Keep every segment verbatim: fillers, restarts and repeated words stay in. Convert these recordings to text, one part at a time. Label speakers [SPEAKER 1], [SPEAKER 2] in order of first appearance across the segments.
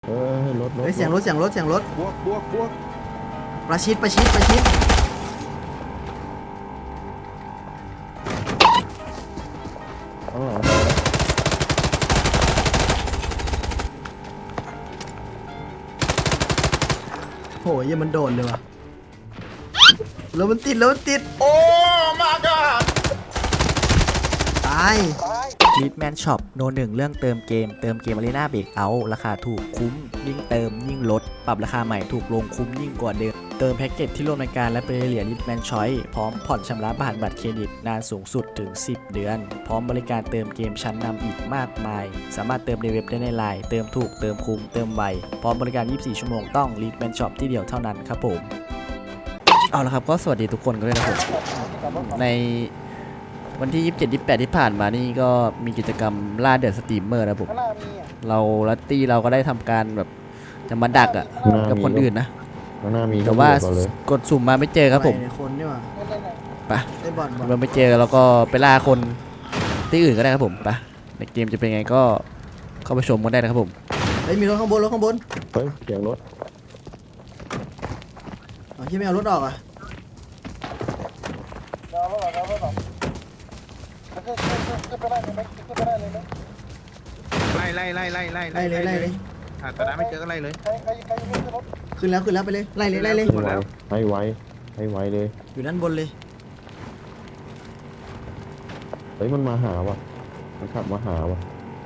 [SPEAKER 1] เออให้รถรถ
[SPEAKER 2] เฮ้ยเสียงรถเสียงรถเสียงรถ
[SPEAKER 3] บวกบวกบวก
[SPEAKER 2] ประชิดประชิดประชิด
[SPEAKER 1] ข้างหลัง
[SPEAKER 2] โหยังมันโดนเลยว่ะแล้วมันติดแล้วมันติด
[SPEAKER 3] โอ้ my god
[SPEAKER 2] ตาย
[SPEAKER 4] ลิทแมนช็อปโนหนึ่งเรื่องเติมเกมเติมเกมอารีนาเบรกเอาท์ราคาถูกคุ้มยิ่งเติมยิ่งลดปรับราคาใหม่ถูกลงคุ้มยิ่งกว่าเดิมเติมแพ็กเกจที่ร่วมรายการและเป็นเหรียญลิทแมนชอยพร้อมผ่อนชำระผ่านบัตรเครดิตนานสูงสุดถึงสิบเดือนพร้อมบริการเติมเกมชั้นนำอีกมากมายสามารถเติมในเว็บได้ในไลน์เติมถูกเติมคุ้มเติมไวพร้อมบริการยี่สิบสี่ชั่วโมงต้องลิทแมนช็อปที่เดียวเท่านั้นครับผมเอาละครับก็สวัสดีทุกคนกันด้วยนะครับในวันที่ยี่สิบเจ็ด ยี่สิบแปดที่ผ่านมานี่ก็มีกิจกรรมล่าเดือดสตรีมเมอร์นะผมเราลัตตี้เราก็ได้ทำการแบบจะมาดักอ่ะกับคนอื่นนะ
[SPEAKER 1] ข้างหน้ามี
[SPEAKER 4] แต่ว่า
[SPEAKER 1] ก่อนเลย
[SPEAKER 4] กดสุ่มมาไม่เจอครับผม
[SPEAKER 2] ไคนนี่ว่ะ
[SPEAKER 4] ไป
[SPEAKER 2] ได้บอลบอล
[SPEAKER 4] เราไม่เจอเราก็ไปล่าคนที่อื่นก็ได้ครับผมไปในเกมจะเป็นไงก็เข้าไปชมกันได้นะครับผม
[SPEAKER 2] เฮ้ยมีรถข้างบนรถข้างบน
[SPEAKER 1] เฮ้ยเสียงรถ
[SPEAKER 2] อ๋อที่ไม่เอารถออกอ่ะ
[SPEAKER 3] ไล่ไล่ไล่ไล่ไล่
[SPEAKER 2] ไล่เลยไล่เลย
[SPEAKER 3] หาตอนนั้นไม่เจอก็ไล่เลย
[SPEAKER 2] ขึ้นแล้วขึ้นแล้วไปเลยไล่เลยไล่เลย
[SPEAKER 3] หมดแล้ว
[SPEAKER 1] ให้ไวให้ไวเลย
[SPEAKER 2] อยู่ด้านบนเลย
[SPEAKER 1] เฮ้ยมันมาหาว่ะมันขับมาหาว่ะ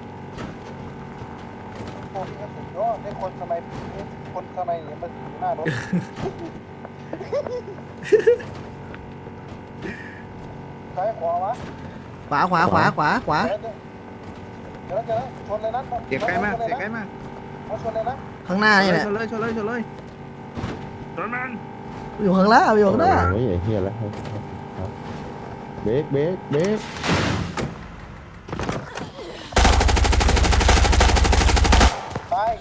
[SPEAKER 5] คนทำไมคนทำไมเนี่ยมันอยู่หน้ารถซ้ายขวาวะ
[SPEAKER 2] ขวาขวาขวาขวาขวา
[SPEAKER 5] เดี๋ยวเดี๋ยวชนเลยนะ
[SPEAKER 3] เสียงใกล้มากเสียงใกล้มาก
[SPEAKER 5] เขาชนเลยนะ
[SPEAKER 2] ข้างหน้านี่แหละ
[SPEAKER 3] ชนเลยชนเลยชนเลยชนมัน
[SPEAKER 2] อยู่ข้างล่างอยู่ข้างหน้า
[SPEAKER 1] โอ้ยไอ้เหี้ยแล้วครับเบรกเบรกเบรก
[SPEAKER 5] ตาย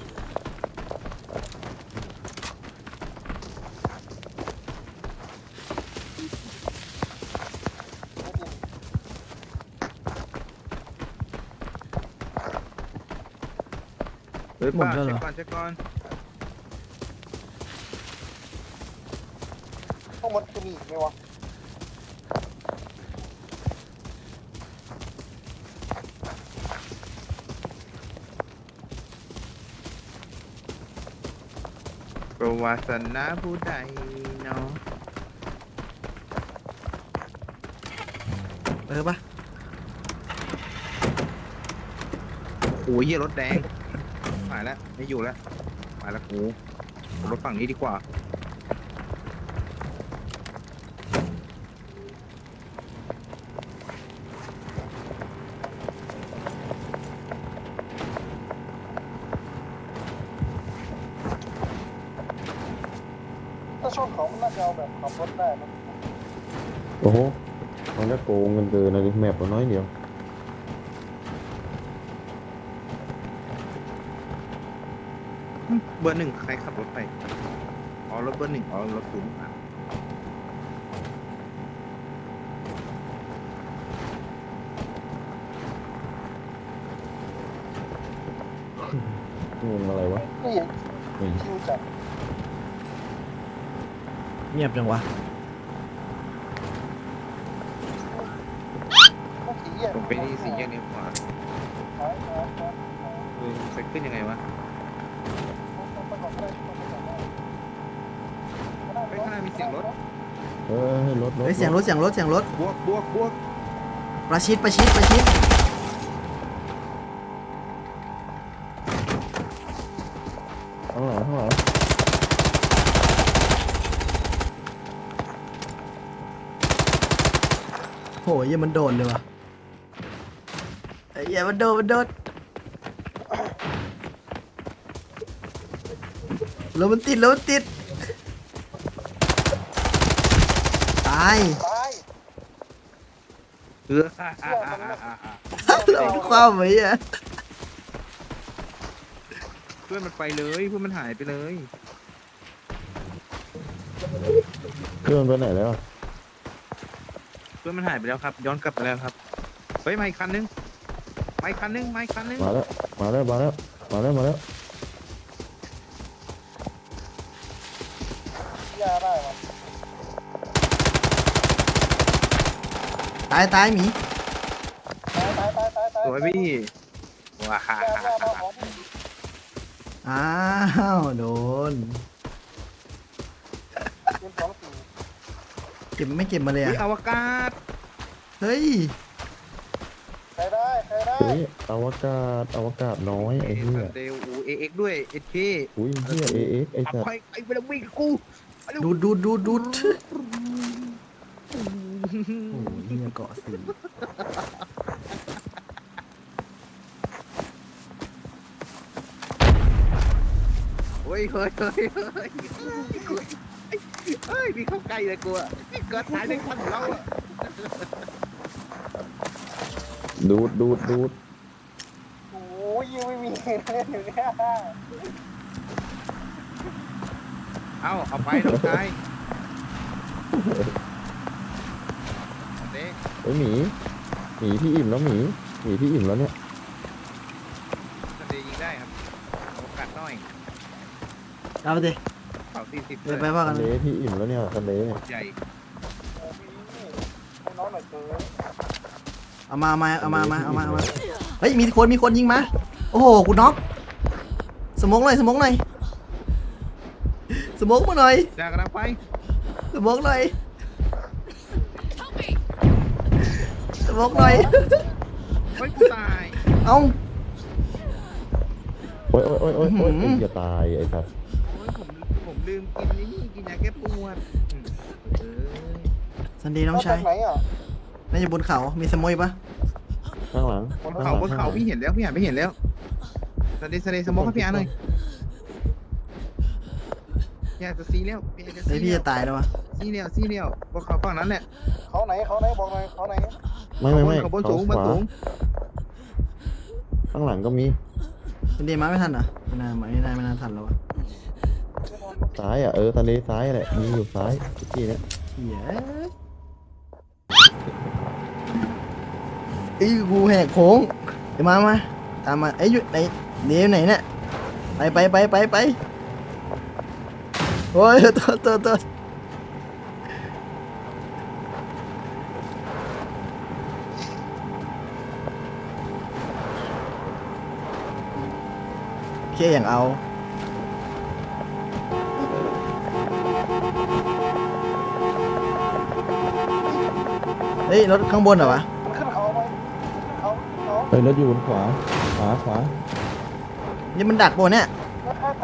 [SPEAKER 3] เฮ้ยป้าเช็คก่อนเช็คก่อน
[SPEAKER 5] พวกมันจะมีอีกไหมวะ
[SPEAKER 3] ประวัติศาสนาผู้ใดเนาะ
[SPEAKER 2] เออปะ
[SPEAKER 3] โอ้ยเหี้ยรถแดงหายแล้วไม่อยู่แล้วหายแล้วกูผมรถฝั่งนี้ดีกว่า
[SPEAKER 5] ถ้าชนเขามันน่าจะเอาแบบขับรถได้นะ
[SPEAKER 1] โอ้โหมันจะโกงเงินเกินนะดิแมปน้อยเดียว
[SPEAKER 3] เบอร์หนึ่งใครขับรถไปอ๋อรถเบอร์หนึ่งอ๋อรถศูนย์อ่ะ
[SPEAKER 1] งงอะไรวะ
[SPEAKER 5] นี่
[SPEAKER 1] นี่
[SPEAKER 5] ชิวจัด
[SPEAKER 2] เงียบจังวะ
[SPEAKER 5] พวกสีเหี้ย
[SPEAKER 3] ผมไปที่สี่แยกนี้ขวา
[SPEAKER 5] หายหายหาย
[SPEAKER 3] เออไปขึ้นยังไงวะไปข้างหน้ามีเสียงรถ
[SPEAKER 1] เออให้รถรถ
[SPEAKER 2] เฮ้ยเสียงรถเสียงรถเสียงรถ
[SPEAKER 3] บวกบวกบวก
[SPEAKER 2] ประชิดประชิดประชิด
[SPEAKER 1] ข้างหลังข้างหลัง
[SPEAKER 2] โหยังมันโดนเลยว่ะไอ้เหี้ยมันโดนมันโดนแล้วมันติดแล้วมันติดตาย
[SPEAKER 5] ตาย
[SPEAKER 3] เอออ่าอ่าอ่าอ่าอ่า
[SPEAKER 2] แล้วมันคว้าไว้อะ
[SPEAKER 3] เพื่อนมันไปเลยเพื่อนมันหายไปเลย
[SPEAKER 1] เครื่องไปไหนแล้วอะ
[SPEAKER 3] เพื่อนมันหายไปแล้วครับ ย้อนกลับไปแล้วครับเฮ้ยมาอีกคันนึงมาอีกคันนึงมาอีกคันนึง
[SPEAKER 1] มาแล้วมาแล้วมาแล้วมาแล้วมาแล้ว
[SPEAKER 5] ยาได้วะ
[SPEAKER 2] ตายตายหมี
[SPEAKER 5] ตายตายตายตายตาย
[SPEAKER 3] สวยพี่ว้าฮ่าย
[SPEAKER 5] ายามาของพี่
[SPEAKER 2] อ้าวโดน
[SPEAKER 5] เกมสองสี่
[SPEAKER 2] เก็บไม่เก็บมาเลย
[SPEAKER 3] อุ๊ย
[SPEAKER 2] อะ
[SPEAKER 3] อวกาศ
[SPEAKER 2] เฮ้ย
[SPEAKER 5] ใครได้ใครได้
[SPEAKER 1] เฮ้ยอวกาศอวกาศน้อยไอ้เหี้ย
[SPEAKER 3] เดลอูเอ็กด้วยเอเค
[SPEAKER 1] อุ้ยเหี้ยเอเอ็กไอ้
[SPEAKER 3] เอา
[SPEAKER 1] สัต
[SPEAKER 3] ไป
[SPEAKER 1] ว์
[SPEAKER 3] ไอ้เวลาวิ่งกูไปเร็ว
[SPEAKER 2] ดูดดูดดูดดูดโอ้ยเฮียเกาะสี
[SPEAKER 3] เฮ้ยเฮ้ยเฮ้ยเฮ้ยเฮ้ยมีเข้าใกล้เลยกูอะนี่เกิดตายในควันของเราอะ
[SPEAKER 1] ดูดดูดดูด
[SPEAKER 5] โอ้ยยังไม่มีเล่นอยู่เนี่ย
[SPEAKER 3] เอาเอาไปน้องชายเด้
[SPEAKER 1] เฮ้ยหมีหมีพี่อิ่มแล้วหมีหมีพี่อิ่มแล้วเนี่ย
[SPEAKER 3] สเดย์ยิงได้ครับโอกาสน้อย
[SPEAKER 2] เอาไปดิ
[SPEAKER 3] เป่าสี่สิบ
[SPEAKER 2] เดี๋ยวไปว่ากัน
[SPEAKER 1] ทะเลพี่อิ่มแล้วเนี่ยทะเลเนี่ย
[SPEAKER 3] ใหญ่
[SPEAKER 5] โอ้พี่ให้น้องหน่อยเถอะ
[SPEAKER 2] เอามาเอามาเอามาเอามาเอามาเอามาเฮ้ยมีคนมีคนยิงมาโอ้โหกูน็อกสมองหน่อยสมองหน่อยสมองมาหน่อย
[SPEAKER 3] จากกำลังไป
[SPEAKER 2] สมองหน่อยสมองหน่อย
[SPEAKER 3] เฮ้ยกูตาย
[SPEAKER 2] เอ้า
[SPEAKER 1] โอ้ยโอ้ยโอ้ยโอ้ยโอ้ย
[SPEAKER 2] อื้อหือ
[SPEAKER 1] ไอ้จะตายไอ้สัตว์
[SPEAKER 3] โอ้ยผมผมลืมกินนี่นี่กินยาแก้ปวดอืมเอ้ย
[SPEAKER 2] สันดีน้องชาย
[SPEAKER 5] มจกไหนอ่ะ
[SPEAKER 2] น่าจะบนเขามีสมอยปะ
[SPEAKER 1] ข้างหลัง
[SPEAKER 3] บนเขาบนเขาพี่เห็นแล้วพี่อ่านไม่เห็นแล้วสเดย์สเดย์สมองให้พี่อ่านหน่อยอยากจะซีแล้วพี่จะ
[SPEAKER 2] เฮ้ย
[SPEAKER 3] ซี
[SPEAKER 2] พี่
[SPEAKER 3] แล้ว
[SPEAKER 2] จะตายแล้ววะ
[SPEAKER 3] ซีแล้วซีแล้วบนเขาฝั่งนั้นแหละ
[SPEAKER 5] เขาไหนเขาไหนบอกหน่อยเขาไหน
[SPEAKER 1] ไม่ไม่ไม่
[SPEAKER 3] เขาบน
[SPEAKER 1] เขา
[SPEAKER 3] สูงบน
[SPEAKER 1] ขวา
[SPEAKER 3] สูง
[SPEAKER 1] ข้างหลังก็มี
[SPEAKER 2] สันดีมาไม่ทันเหรอไม่น่าไม่น่าไม่น่าทันแล้ววะ
[SPEAKER 1] ซ้ายอ่ะเออทะเลซ้ายแหละมีอยู่ซ้ายที่เนี้ย
[SPEAKER 2] เหี้ยไอ้ยกูแหกโค้งเดี๋ยวมามาตามมาไอ้ยอยู่ไหนเดี๋ยวไหนเนี่ยไปไปไปไปไปโอ้ยตัวตัวตัวเชี่ยอย่างเอาเฮ้ยรถข้างบนเหรอวะ
[SPEAKER 5] มันขึ้นเขาไหมขึ้นเขาขึ้นเขา
[SPEAKER 1] เฮ้ยรถอยู่บนขวาขวาขวา
[SPEAKER 2] นี่มันดักบนเนี่ย
[SPEAKER 5] แล้วค่าไถ่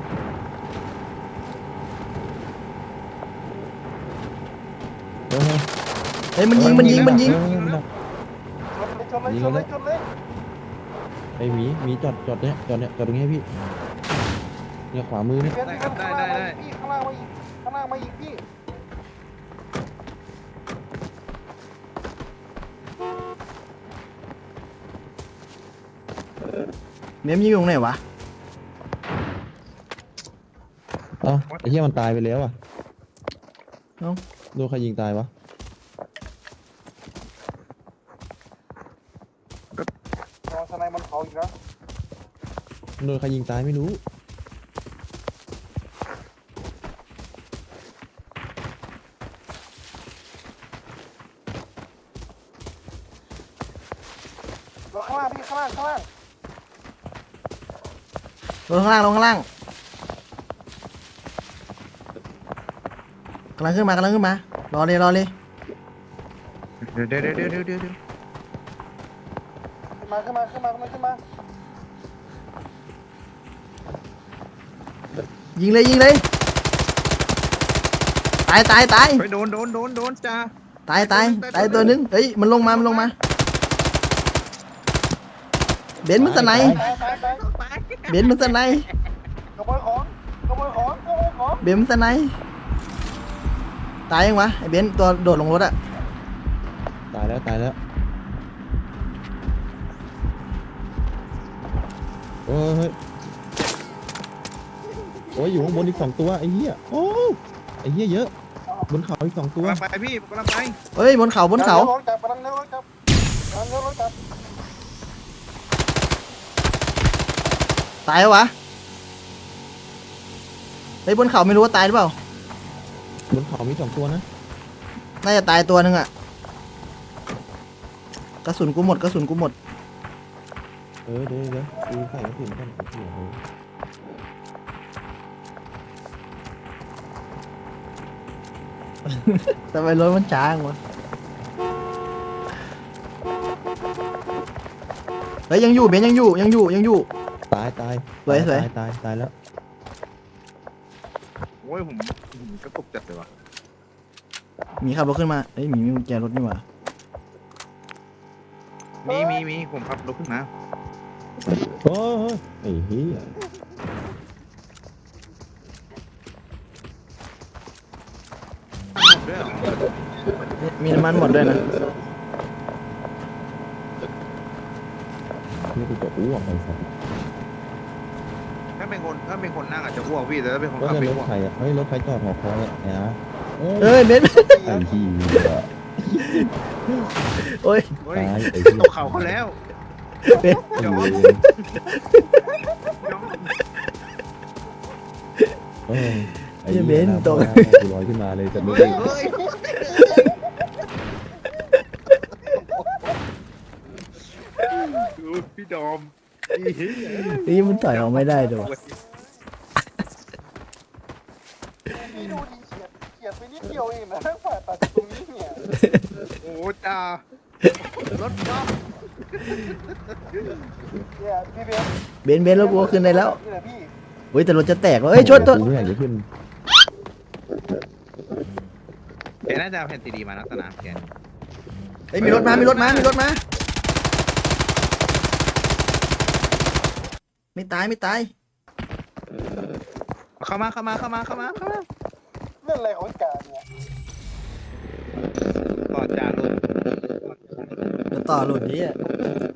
[SPEAKER 1] เฮ้ย
[SPEAKER 2] เฮ้ยมันยิงมันยิงมันยิง
[SPEAKER 1] เออมันดัก
[SPEAKER 5] ชนเลยชนเลยชนเลยชนเลย
[SPEAKER 1] ไอ้หมีหมีจอดจอดเนี่ยจอดเนี่ยจอดตรงนี้ให้พี่เนี่ยขวามือเนี่ย
[SPEAKER 5] เปลี่ยนที่ข้างล่างมาอีกพี่ข้างล่างมาอีกข้างล่างมาอีกพี่
[SPEAKER 2] เมียมยิงอยู่ตรงไหนวะ
[SPEAKER 1] เอ้าไอ้เหี้ยมันตายไปแล้วอ่ะ
[SPEAKER 2] เอ้า
[SPEAKER 1] โดนใครยิงตายวะ
[SPEAKER 5] ลองสไนมันเขาอีกแล้ว
[SPEAKER 1] โดนใครยิงตายไม่รู้
[SPEAKER 5] ลงข้างล่างพี่ข้างล่างข้างล่าง
[SPEAKER 2] ลงข้างล่างลงข้างล่างกำลังขึ้นมากำลังขึ้นมารอเลยรอเลย
[SPEAKER 3] เดี๋ยวเดี๋ยวเดี๋ยวเดี๋ยวเดี๋ยวเดี๋ยว
[SPEAKER 5] ขึ้นมาขึ้นมาขึ้นมาขึ้นมาขึ้นมา
[SPEAKER 2] ยิงเลยยิงเลยตายตายตาย
[SPEAKER 3] ไปโดนโดนโดนโดนจ้า
[SPEAKER 2] ตายตายตายตัวนึงเฮ้ยมันลงมามันลงมาเบนซ์มันสไนป์
[SPEAKER 5] ตายตายตาย
[SPEAKER 3] ตาย
[SPEAKER 2] เบนซ์มันสไนป์
[SPEAKER 5] ขโมยของขโมยของขโมยของ
[SPEAKER 2] เบนซ์มันสไนป์ตายยังวะไอ้เบนซ์ตัวโดดลงรถอะ
[SPEAKER 1] ตายแล้วตายแล้วโอ้ยเฮ้ยโอ้ยอยู่ข้างบนอีกสองตัวไอ้เหี้ยโอ้ไอ้เหี้ยเยอะบนเขาอีกสองตัว
[SPEAKER 3] กำลังไปพี่กำลังไป
[SPEAKER 2] เฮ้ยบนเขาบนเขา
[SPEAKER 5] ร้องจับกำลังเลี้ยวร้องจับกำลังเลี้ยวร้องจับ
[SPEAKER 2] ตายแล้ววะเฮ้ยบนเขาไม่รู้ว่าตายหรือเปล่า
[SPEAKER 1] บนเขามีสองตัวนะ
[SPEAKER 2] น่าจะตายตัวหนึงอ่ะกระสุนกูหมดกระสุนกูหมด
[SPEAKER 1] เออเดี๋ยวเดี๋ยวกูใส่กระสุนกันไอ้เหี้ยเออ
[SPEAKER 2] ทำไมรถมันช้างวะเฮ้ยยังอยู่เบนยังอยู่ยังอยู่ยังอยู่
[SPEAKER 1] ตายตาย
[SPEAKER 2] สวยสวย
[SPEAKER 1] ตายตายตายแล้ว
[SPEAKER 3] โอ้ยผมผมกระตุกจัดเลยวะ
[SPEAKER 2] หมีขับรถขึ้นมาเอ้ยหมีมีกุญแจรถนี่หว่า
[SPEAKER 3] มีมีมีผมขับรถขึ้นมา
[SPEAKER 1] โอ้ยไอ้เหี้ย
[SPEAKER 3] ด้วยเหรอ
[SPEAKER 2] มีน้ำมันหมดด้วยนะ
[SPEAKER 1] นี่กูจะอ้วกไอ้สัส
[SPEAKER 3] ถ้าเป็นคนถ้าเป็นคนนั่งอาจจะอ้วกพี่แต่ถ้าเป็นคน
[SPEAKER 1] ก็
[SPEAKER 3] ขับ
[SPEAKER 1] จะ
[SPEAKER 3] ไม่
[SPEAKER 1] รถ
[SPEAKER 3] อ้วก
[SPEAKER 1] ใครอ่ะเฮ้ยรถใครจอดหอคอยอ่ะเนี่ยนะเอ้ย
[SPEAKER 2] เอ้ยเบน
[SPEAKER 1] ไอ้เหี้ย
[SPEAKER 2] โอ้ย
[SPEAKER 3] เฮ้ย
[SPEAKER 1] ตายไอ้เหี้ย
[SPEAKER 3] ตกเขาเขาแล้ว
[SPEAKER 2] เบน
[SPEAKER 1] ไอ้เหี้ยเออไอ้เหี้ยกูลอยขึ้นมาเลยจะไม่
[SPEAKER 3] เฮ้
[SPEAKER 1] ได้
[SPEAKER 3] ยเฮ้ยพี่ดอมพี่เฮ้ย
[SPEAKER 2] นี่มันต่อยออกไม่ได้ด้วยวะ
[SPEAKER 5] พี่ดูดิเฉียดเฉียดไปนิดเดียวเองนะฝ่ายตัดตรงนี้เนี่ย
[SPEAKER 3] โอ้จ้ารถจ๊อบ
[SPEAKER 5] เนี่ยพี่เบน
[SPEAKER 2] เบนเบนแล้วกูก็ขึ้นได้แล้ว
[SPEAKER 5] นี่แหละพี่
[SPEAKER 2] เฮ้ยแต่รถจะแตกวะเอ้ยชนตัว
[SPEAKER 1] กูไม่อยากจะขึ้น
[SPEAKER 3] แกน่าจะเอาแผ่นซีดีมานะสนามแก
[SPEAKER 2] เฮ้ยมีรถมามีรถมามีรถมาไม่ตายไม่ตาย
[SPEAKER 3] เข้ามาเข้ามาเข้ามาเข้ามาเข้ามา
[SPEAKER 5] เรื่องอะไรของไอ้กาเนี่ย
[SPEAKER 3] ก่อนจานรถ
[SPEAKER 2] เดี๋ยวต่อหลุดนี้อ่ะ